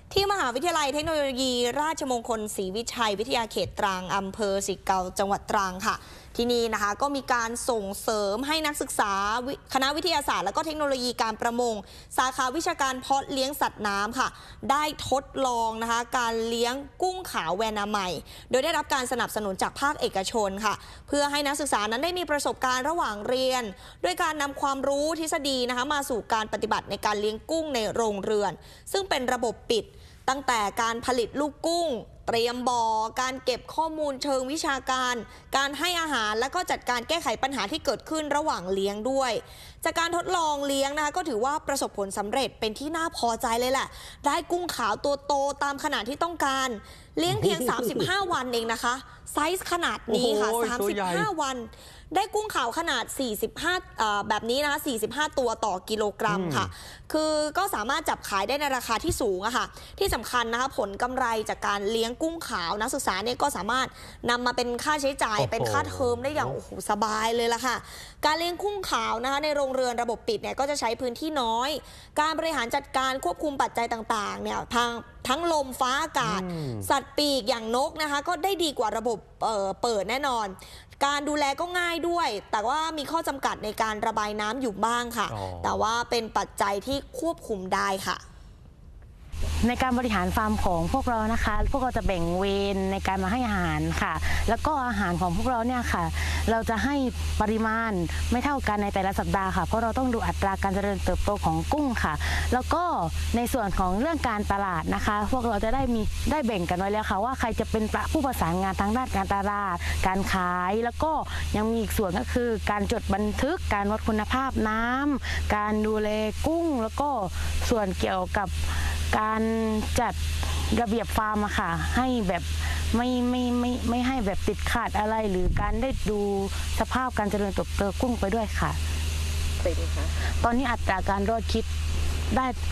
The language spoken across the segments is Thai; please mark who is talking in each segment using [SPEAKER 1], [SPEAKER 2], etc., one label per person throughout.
[SPEAKER 1] ที่มหาวิทยาลัยเทคโนโลยีราชมงคลศรีวิชัยวิทยาเขตตรังอำเภอสิเกาจังหวัดตรังค่ะที่นี่นะคะก็มีการส่งเสริมให้นักศึกษาคณะวิทยาศาสตร์และก็เทคโนโลยีการประมงสาขาวิชาการเพาะเลี้ยงสัตว์น้ำค่ะได้ทดลองนะคะการเลี้ยงกุ้งขาวแวนาใหม่โดยได้รับการสนับสนุนจากภาคเอกชนค่ะเพื่อให้นักศึกษานั้นได้มีประสบการณ์ระหว่างเรียนด้วยการนำความรู้ทฤษฎีนะคะมาสู่การปฏิบัติในการเลี้ยงกุ้งในโรงเรือนซึ่งเป็นระบบปิดตั้งแต่การผลิตลูกกุ้งเตรียมบ่อการเก็บข้อมูลเชิงวิชาการการให้อาหารและก็จัดการแก้ไขปัญหาที่เกิดขึ้นระหว่างเลี้ยงด้วยจากการทดลองเลี้ยงนะคะก็ถือว่าประสบผลสำเร็จเป็นที่น่าพอใจเลยแหละได้กุ้งขาวตัวโตตามขนาดที่ต้องการเลี้ยงเพียง35 วันเองนะคะไซส์ขนาดนี้ค่ะ35 วันได้กุ้งขาวขนาด45แบบนี้นะคะ45 ตัวต่อกิโลกรัมค่ะคือก็สามารถจับขายได้ในราคาที่สูงอะค่ะที่สำคัญนะคะผลกำไรจากการเลี้ยงกุ้งขาวนักศึกษาเนี่ยก็สามารถนำมาเป็นค่าใช้จ่ายเป็นค่าเทอมได้อย่างโอ้โหสบายเลยล่ะค่ะการเลี้ยงกุ้งขาวนะคะในโรงเรือนระบบปิดเนี่ยก็จะใช้พื้นที่น้อยการบริหารจัดการควบคุมปัจจัยต่างๆเนี่ยทั้งลมฟ้าอากาศสัตว์ปีกอย่างนกนะคะก็ได้ดีกว่าระบบเปิดแน่นอนการดูแลก็ง่ายด้วยแต่ว่ามีข้อจำกัดในการระบายน้ำอยู่บ้างค่ะแต่ว่าเป็นปัจจัยที่ควบคุมได้ค่ะ
[SPEAKER 2] ในการบริหารฟาร์มของพวกเรานะคะพวกเราจะแบ่งเวรในการมาให้อาหารค่ะแล้วก็อาหารของพวกเราเนี่ยค่ะเราจะให้ปริมาณไม่เท่ากันในแต่ละสัปดาห์ค่ะเพราะเราต้องดูอัตราการเจริญเติบโตของกุ้งค่ะแล้วก็ในส่วนของเรื่องการตลาดนะคะพวกเราจะได้แบ่งกันไว้แล้วค่ะว่าใครจะเป็นผู้ประสานงานทางด้านการตลาดการขายแล้วก็ยังมีอีกส่วนก็คือการจดบันทึกการวัดคุณภาพน้ำการดูแลกุ้งแล้วก็ส่วนเกี่ยวกับการจัดระเบียบฟาร์มอะค่ะให้แบบไม่ให้แบบติดขาดอะไรหรือการได้ดูสภาพการเจริญเติบโตกุ้งไปด้วยค่ะเป็นคะตอนนี้อัตราการรอดชีวิตได้เป็น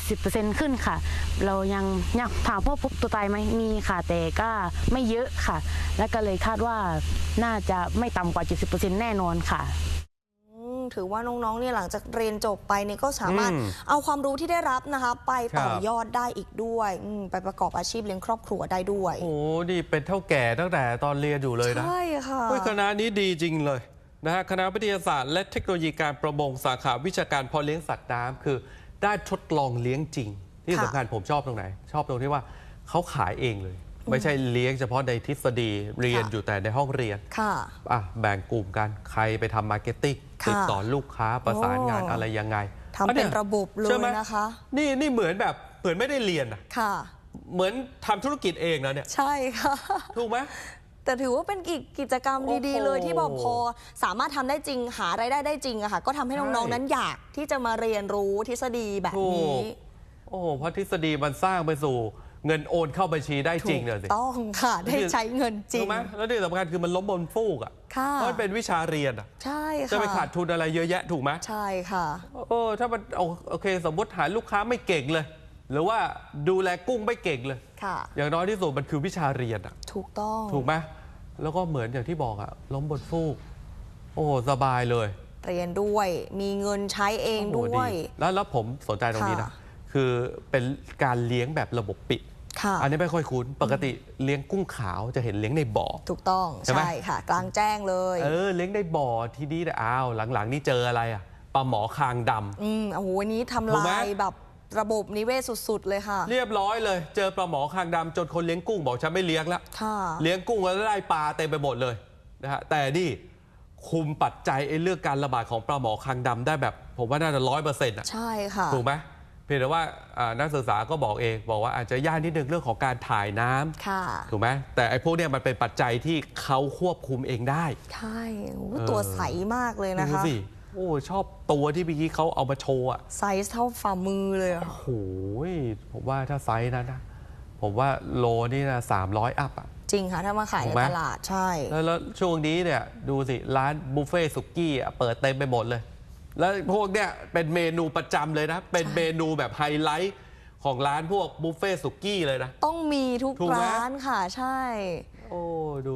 [SPEAKER 2] 70% ขึ้นค่ะเรายังถามว่าพบตัวตายไหมมีค่ะแต่ก็ไม่เยอะค่ะและก็เลยคาดว่าน่าจะไม่ต่ำกว่า 70% แน่นอนค่ะ
[SPEAKER 1] ถือว่าน้องๆเนี่ยหลังจากเรียนจบไปเนี่ยก็สามารถเอาความรู้ที่ได้รับนะคะไปต่อยอดได้อีกด้วยไปประกอบอาชีพเลี้ยงครอบครัวได้ด้วย
[SPEAKER 3] โอ้ดีเป็นเท่าแก่ตั้งแต่ตอนเรียนอยู่เลยนะ
[SPEAKER 1] ใช่ค่ะ
[SPEAKER 3] คณะนี้ดีจริงเลยนะฮะคณะวิทยาศาสตร์และเทคโนโลยีการประมงสาขาวิชาการเพาะเลี้ยงสัตว์น้ำคือได้ทดลองเลี้ยงจริงที่สำคัญผมชอบตรงไหนชอบตรงที่ว่าเขาขายเองเลยไม่ใช่เลี้ยงเฉพาะในทฤษฎีเรียนอยู่แต่ในห้องเรียนแบ่งกลุ่มกันใครไปทำมาร์เก็ตติ้งติดต่อลูกค้าประสานงานอะไรยังไง
[SPEAKER 1] ทำเป็นระบบเลยนะคะ
[SPEAKER 3] นี่เหมือนไม่ได้เรียนอะเหมือนทำธุรกิจเองนะเนี่ย
[SPEAKER 1] ใช่ค่ะ
[SPEAKER 3] ถูกไหม
[SPEAKER 1] แต่ถือว่าเป็นกิจกรรมดีๆเลยที่บอกพอสามารถทำได้จริงหารายได้ได้จริงอะค่ะก็ทำให้น้องๆนั้นอยากที่จะมาเรียนรู้ทฤษฎีแบบนี้
[SPEAKER 3] โอ้เพราะทฤษฎีมันสร้างไปสู่เงินโอนเข้าบัญชีได้จริงเลยสิ
[SPEAKER 1] ต้องค่ะได้ใช้เงินจริง
[SPEAKER 3] ถูกไหมแล้วที่สำคัญคือมันล้มบนฟูกอ่ะเพราะมันเป็นวิชาเรียนอ่ะ
[SPEAKER 1] ใช่ค่ะ
[SPEAKER 3] จะไปขาดทุนอะไรเยอะแยะถูกไหม
[SPEAKER 1] ใช่ค่ะ
[SPEAKER 3] ถ้ามันโอเคสมมติหาลูกค้าไม่เก่งเลยหรือว่าดูแลกุ้งไม่เก่งเลยอย่างน้อยที่สุดมันคือวิชาเรียนอ่ะ
[SPEAKER 1] ถูกต้อง
[SPEAKER 3] ถูกไหมแล้วก็เหมือนอย่างที่บอกอ่ะล้มบนฟูกสบายเลย
[SPEAKER 1] เรียนด้วยมีเงินใช้เองด้วย
[SPEAKER 3] แล้วผมสนใจตรงนี้นะคือเป็นการเลี้ยงแบบระบบปิดอันนี้ไม่ค่อยคุ้นปกติเลี้ยงกุ้งขาวจะเห็นเลี้ยงในบ่อ
[SPEAKER 1] ถูกต้องใช่ค่ะกลางแจ้งเลย
[SPEAKER 3] เลี้ยงในบ่อที่นี่แต่หลังๆนี่เจออะไรอ่ะปลาหมอคางด
[SPEAKER 1] ำโอ้โหวันนี้ทำลายแบบระบบนิเวศสุดๆเลยค่ะ
[SPEAKER 3] เรียบร้อยเลยเจอปลาหมอคางดำจนคนเลี้ยงกุ้งบอกฉันไม่เลี้ยงแล้วเลี้ยงกุ้งแล้วได้ปลาเต็มไปหมดเลยนะฮะแต่นี่คุมปัจจัยเรื่องการระบาดของปลาหมอคางดำได้แบบผมว่าน่าจะ100%อ่ะ
[SPEAKER 1] ใช่ค่ะ
[SPEAKER 3] ถูกไหมเพียงแต่ว่านักศึกษาก็บอกเองบอกว่าอาจจะยากนิดนึงเรื่องของการถ่ายน้ำถูกไหมแต่ไอ้พวกเนี้ยมันเป็นปัจจัยที่เขาควบคุมเองได้
[SPEAKER 1] ใช่ตัวใสมากเลยนะคะ
[SPEAKER 3] ดูสิชอบตัวที่เมื่อกี้เขาเอามาโชว์
[SPEAKER 1] ไซส์เท่าฝ่ามือเลย
[SPEAKER 3] โอ้โหผมว่าถ้าไซส์นั้นนะผมว่าโลนี่นะ300 อัพอ่ะ
[SPEAKER 1] จริงค่ะถ้ามาขายในตลาดใช่
[SPEAKER 3] แล้วช่วงนี้เนี่ยดูสิร้านบุฟเฟ่สุกี้เปิดเต็มไปหมดเลยแล้วพวกเนี้ยเป็นเมนูประจำเลยนะเป็นเมนูแบบไฮไลท์ของร้านพวกบุฟเฟ่สุกี้เลยนะ
[SPEAKER 1] ต้องมีทุกร้านค่ะใช่
[SPEAKER 3] ดู